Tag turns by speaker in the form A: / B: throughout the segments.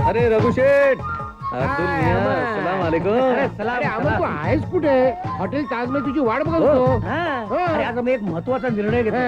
A: अरे रघुशेठ, अब्दुल मियां, सलाम अलैकुम.
B: अरे अमर तू आहेस कुठे? हॉटेल ताज मध्ये तुझी वाट बघत होतो.
C: अरे आता मी एक महत्वाचा निर्णय घेतला.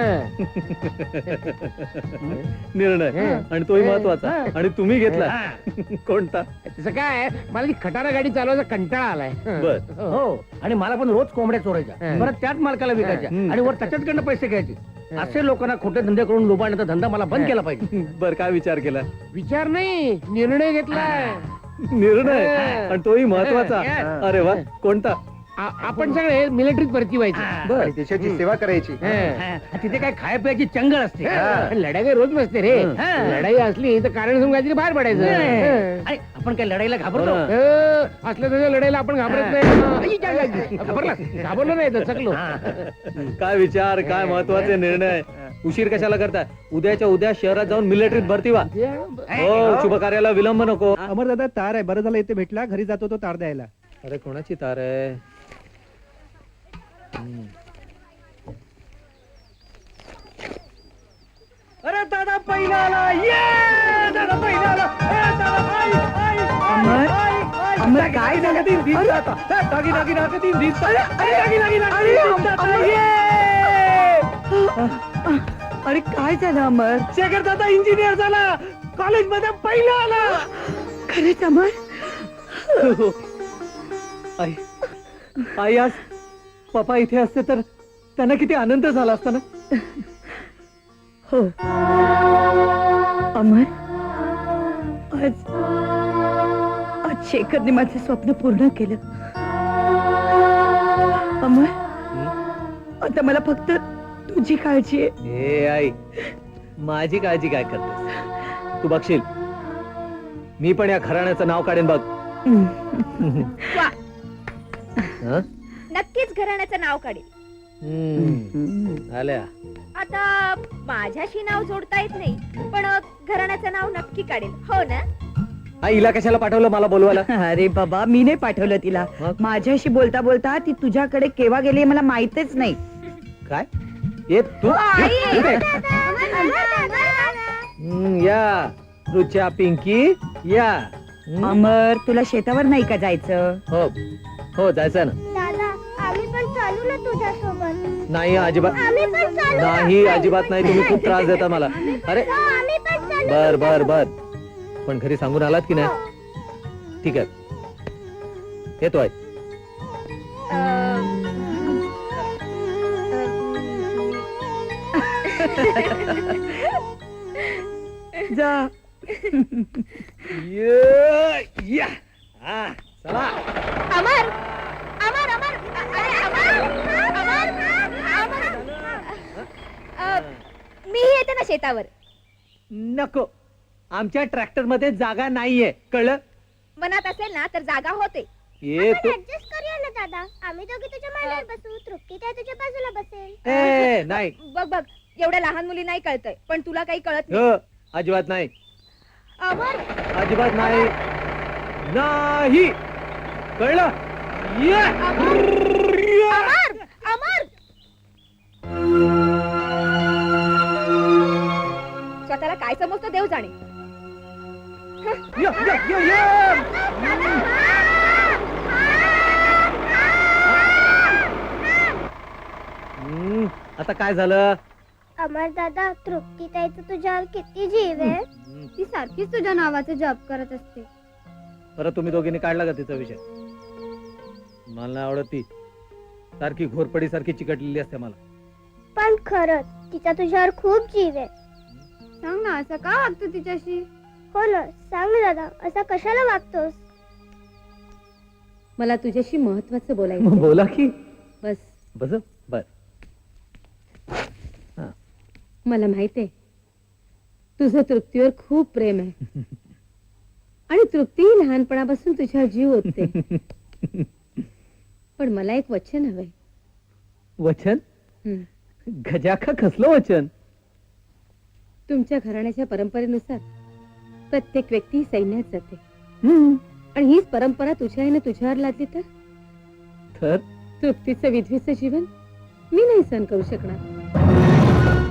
A: निर्णय आणि तोही महत्वाचा. आणि तुम्ही घेतला कोणता?
B: तसं काय मला ती खटारा गाडी चालवायचा कंटाळा आलाय.
A: बर.
C: हो आणि मला पण रोज कोंबड्या चोरायच्या, परत त्याच मालकाला विकायच्या आणि वर त्याच्याकडनं पैसे घ्यायचे. असे लोकांना खोटे धंदे करून लोबाडण्याचा धंदा मला बंद केला पाहिजे.
A: बर, काय विचार केला?
B: विचार नाही, निर्णय घेतलाय.
A: निर्णय आणि तोही महत्वाचा. अरे वा, कोणता?
B: आपण सगळे मिलिटरीत भरती व्हायचं
A: बर.
D: देशाची सेवा करायची.
C: तिथे काय खाय प्यायची चंगळ असते.
B: लढाई काही रोज नसते रे. लढाई असली तर कारण समजून काहीतरी बाहेर पडायचं.
C: अरे, आपण काय लढाईला घाबरतो?
B: असल्या तसं लढाईला आपण घाबरत नाही. घाबरलो नाही तर चकलो.
A: काय विचार, काय महत्वाचे निर्णय. उशीर कशाला करताय? उद्याच्या उद्या शहरात जाऊन मिलिटरीत भरती व्हा. हो, शुभ कार्याला विलंब नको.
D: अमर दादा तार आहे, बरं झालं इथे भेटला. घरी जातो तो तार द्यायला.
A: अरे कोणाची तार आहे?
C: अरे दादा पहिला आला. ये दादा पहिला आला.
E: अमर काय झालं? अरे काय झालं अमर?
C: शेखर दादा इंजिनियर झाला, कॉलेज मध्ये पहिला आला.
E: खरंच अमर?
A: आई, आई, आज पप्पा इथे असते तर त्यांना किती आनंद झाला असता ना.
E: हो अमर, आज आज शेखरने माझे स्वप्न पूर्ण केलं. अमर, आता मला फक्त तुझी काळजी आहे.
A: ए आई, माझी काळजी काय करतेस? तू बघशील, मी पण या घराण्याचं नाव काढेन बघ. हं?
F: नक्कीच घराण्याचं नाव काढेल.
A: आल्या.
F: आता माझ्याशी नाव जोडता येत नाही, पण घराण्याचं नाव नक्की काढेल. हो ना?
A: आई, हिला कशाला पाठवलं मला बोलवायला?
E: अरे बाबा, मी नाही पाठवलं तिला.
A: मग?
E: माझ्याशी बोलता बोलता ती तुझ्याकडे केव्हा गेली मला माहितच नाही.
A: काय? ये तू इथे. या रुच्या, पिंकी या.
E: अमर, तुला शेतावर नाही का जायचं?
A: हो हो, जायचं ना.
F: दादा, आम्ही पण चालू ना तुझ्यासोबत.
A: नाही अजिबात
F: आम्ही पण चालू.
A: नाही, अजिबात नाही. तुम्ही खूप त्रास देता मला. अरे
F: आम्ही पण चालू.
A: बर बर बर, पण घरी सांगून आलात की नाही? ठीक आहे, येतो आहे.
E: जा.
A: या. हा, चला.
F: अमर, अमर, अमर, अरे अमर, अमर, अमर. मी येते ना शेतावर.
A: नको, आमच्या ट्रॅक्टर मध्ये जागा नाहीये, कळलं?
F: मनात असेल ना तर जागा होते.
A: ये तू.
F: ऍडजस्ट करूया ना दादा. आम्ही दोघे तुझ्या मांडीवर बसू, तृप्ती त्या तुझ्या बाजूला बसेल.
A: ए नाही.
F: बघ बघ, एवढ्या लहान मुली नाही कळतंय, पण तुला काही कळत नाही.
A: हो, अजिबात नाही,
F: अमर,
A: अजिबात नाही. नाही, कळलं? ये.
F: अमर, अमर. स्वतःला काय समजतो देव जाणे.
A: ये, ये, ये, ये. आता काय झालं?
F: अमर दादा, तृप्ती ताईचं तुझ्यावर किती जीव आहे. ती सारखीच तुझ्या नावाचा जप करत असते.
A: परत तुम्ही दोघींनी काढला का तिचा विषय? मला नाही आवडत ती. सारखी घोरपडी सारखी चिकटलेली असते मला.
F: पण खरंच तिचा तुझ्यावर खूप जीव आहे. सांग ना, असं का वागतो तिच्याशी? हो ना, सांग ना दादा, असा कशाला वागतोस?
G: मला तुझ्याशी महत्वाचं बोलायचं.
A: बोला की.
G: बस.
A: बस. बर.
G: मला माहित आहे तुझं तृप्तीवर खूप प्रेम आहे आणि तृप्ती लहानपणापासून तुझ्या जीव ओतते. पण मला एक वचन हवंय.
A: वचन? गजाखा कसलं वचन?
G: तुमच्या घराण्याच्या परंपरेनुसार प्रत्येक व्यक्ती सैन्यात जाते आणि हीच परंपरा तुझ्या आईने तुझ्यावर लादली तर तृप्तीचं विधवेचं जीवन मी नाही सहन करू शकणार.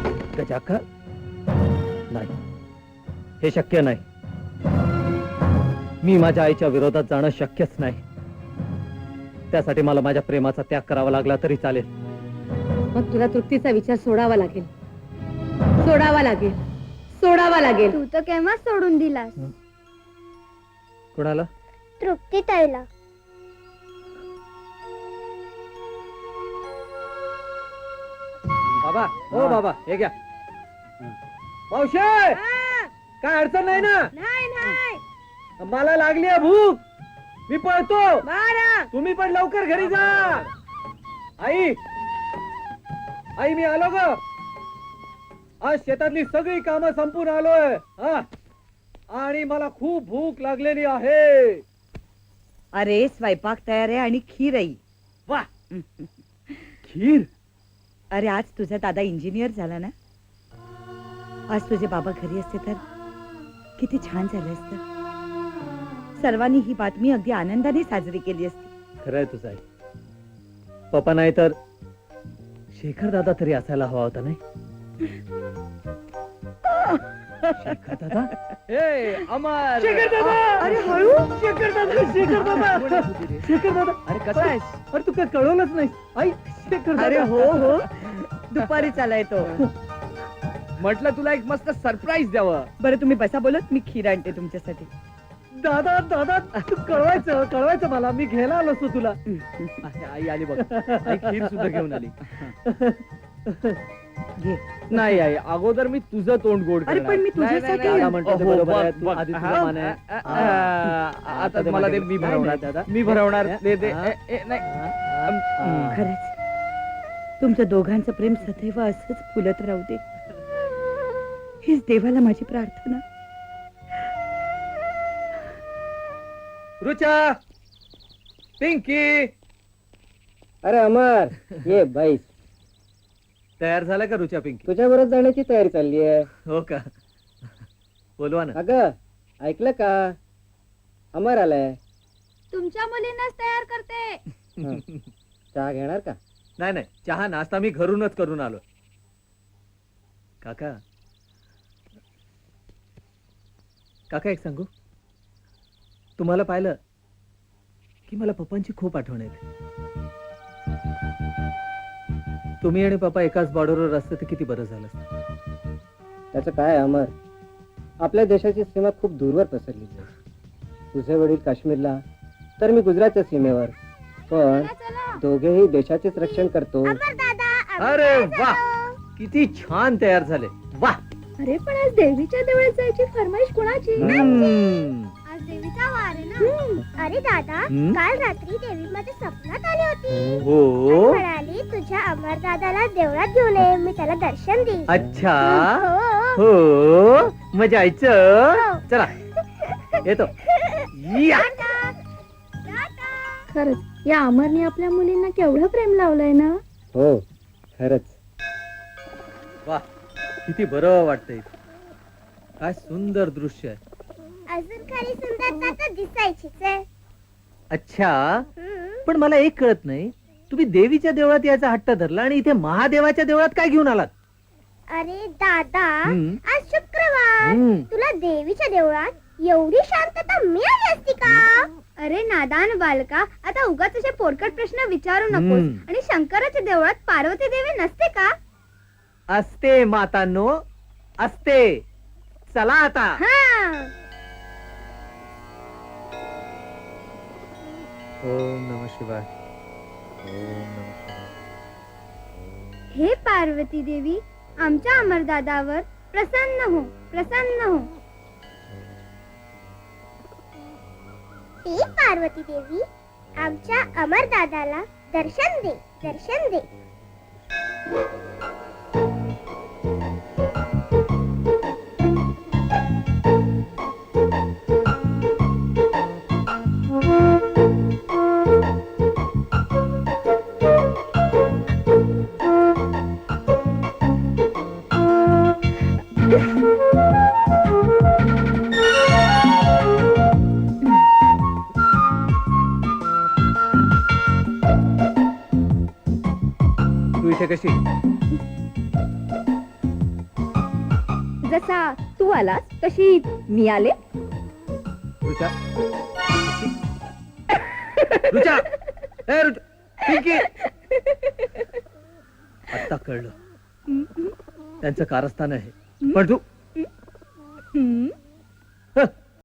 A: गजाखा, नाही, हे शक्य नाही. मी माझ्या आईच्या विरोधात जाणं शक्यच नाही. त्यासाठी मला माझ्या प्रेमाचा त्याग करावा लागला तरी चालेल.
G: मग तुला तृप्तीचा विचार सोडावा लागेल, सोडावा लागेल, सोडावा लागेल.
F: तू तर केव्हा सोडून दिलास
A: कोणाला?
F: तृप्ती ताईला.
A: बाबा, हो बाबा, हे घ्या. मावशे, काय अडचण नाही ना?
G: नाही नाही
A: मला लागली आहे भूक, मी पळतो. तुम्ही पण लवकर घरी जा. आई, आई मी आलो ग. आज शेतातली सगळी कामं संपून आलोय. हा, आणि मला खूप भूक लागलेली आहे.
E: अरे स्वयंपाक तयार आहे आणि खीर आहे.
A: वा, खीर.
E: अरे आज तुझा दादा इंजिनियर झाला ना, आज तुझे बाबा घरी असते तर किती छान झालं असतं. सर्वांनी ही बातमी अगदी आनंदाने साजरी केली असती.
A: खरंय तुझं आई. पप्पा नाही तर शेखर दादा तरी असायला हवा होता नाही? शेखर दादा, ए अमर, शेखर दादा,
E: अरे हळू.
A: शेखर दादा, शेखर दादा, शेखर दादा. अरे कसं आहेस? अरे तू काय कळवलंच नाही. आई, शेखर
E: अरे
A: दादा.
E: हो हो, दुपारी चालाय तो.
C: म्हटलं तुला एक मस्त सरप्राईज द्यावं.
E: बरं तुम्ही बसा बोलत, मी खीर आणते तुमच्यासाठी.
A: दादा दादा, तू कळवायचं मला. मी घ्यायला आलो असतो तुला.
C: आई आली बघ. आई खीर सुद्धा घेऊन आली.
E: घे.
C: नाही आई, अगोदर मी तुझं तोंड गोड
E: अरे
C: करणार.
E: पण मी तुझ्यासाठी
C: नाही,
A: दादा म्हणतो ते बरोबर आहे. तू
C: बघ,
A: आधी
C: हा,
A: तुझं मान आहे.
C: आता मला ते मी
A: नाही,
C: भरवणार.
A: दादा.
C: मी भरवणार. दे दे.
A: हा.
C: नाही.
E: खरंच तुमच्या दोघांचं प्रेम सदैव असंच फुलत राहू दे, हीच देवाला माझी प्रार्थना.
A: रुचा, पिंकी,
D: अरे अमर, ये बाईस,
A: तयार झाला का रुचा? पिंकी
D: तुझ्या बरोबर जाण्याची तयारी चालली आहे.
A: हो का? बोलवा ना.
D: अगं ऐकलं का, अमर आलाय.
F: तुमच्या मुलींनाच तयार करते.
D: हं. चहा घेणार का?
A: नाही नाही, चहा नाश्ता मी घरूनच करून आलो. काका, काका एक सांगू, तुम्हाला पाहिलं की मला पप्पांची खूप आठवण येते. तुम्ही आणि पप्पा एकाच बॉर्डरवर असते तर किती बरं झालं असतं.
D: त्याचं काय अमर, आपल्या देशाची सीमा खूप दूरवर पसरली आहे. तुझे वडील काश्मीरला, तर मी गुजरातच्या सीमेवर, पण दोघेही देशाचेच रक्षण करतो.
A: अरे वा, किती छान तयार झाले. वा.
F: अरे पण आज देवीच्या देवळात जायची फरमाईश कोणाची?
A: हम्म.
F: आज देवीचा वार आहे ना. अरे दादा,
A: हम्म.
F: काल रात्री देवी माझ्या स्वप्नात आली होती.
A: हो,
F: म्हणाली तुझ्या अमर दादाला देवळात घेऊन ये, मी त्याला दर्शन देईन.
A: अच्छा,
F: हो.
A: हो, मजा यायचं. चला येतो. या.
F: खरंच या अमरने आपल्या मुलींना केवढं प्रेम लावलंय ना.
D: हो खरंच.
A: वा, किती बरं वाटतंय. काय सुंदर दृश्य आहे.
F: अजून खरी सुंदरता तर दिसायचीच आहे.
A: अच्छा, पण मला एक कळत नाही, तुम्ही देवीच्या देवळात यायचा हट्ट धरला आणि इथे महादेवाच्या देवळात काय घेऊन आलात?
F: अरे दादा,
A: हम्म.
F: आज शुक्रवार,
A: हम्म.
F: तुला देवीच्या देवळात एवढी शांतता मिळाली असती का? अरे नादान बालका, आता उगाच असे पोरकट प्रश्न विचारू नकोस.
A: हम्म.
F: आणि शंकराच्या देवळात पार्वती देवी नसते का?
A: असते मातांनो, असते. चला आता.
F: हा.
A: ओम नमः शिवाय. ओम नमः शिवाय.
F: हे पार्वती देवी, आमच्या अमरदादावर प्रसन्न हो, प्रसन्न हो. हे पार्वती देवी, आमच्या अमरदादाला दर्शन दे, दर्शन दे.
A: तू इथे कशी?
G: जसा तू आलास तशी मी आले.
A: रुचा रुचा ए रुचा पिंकी आता कळलं त्यांचं कारस्थान आहे पण तू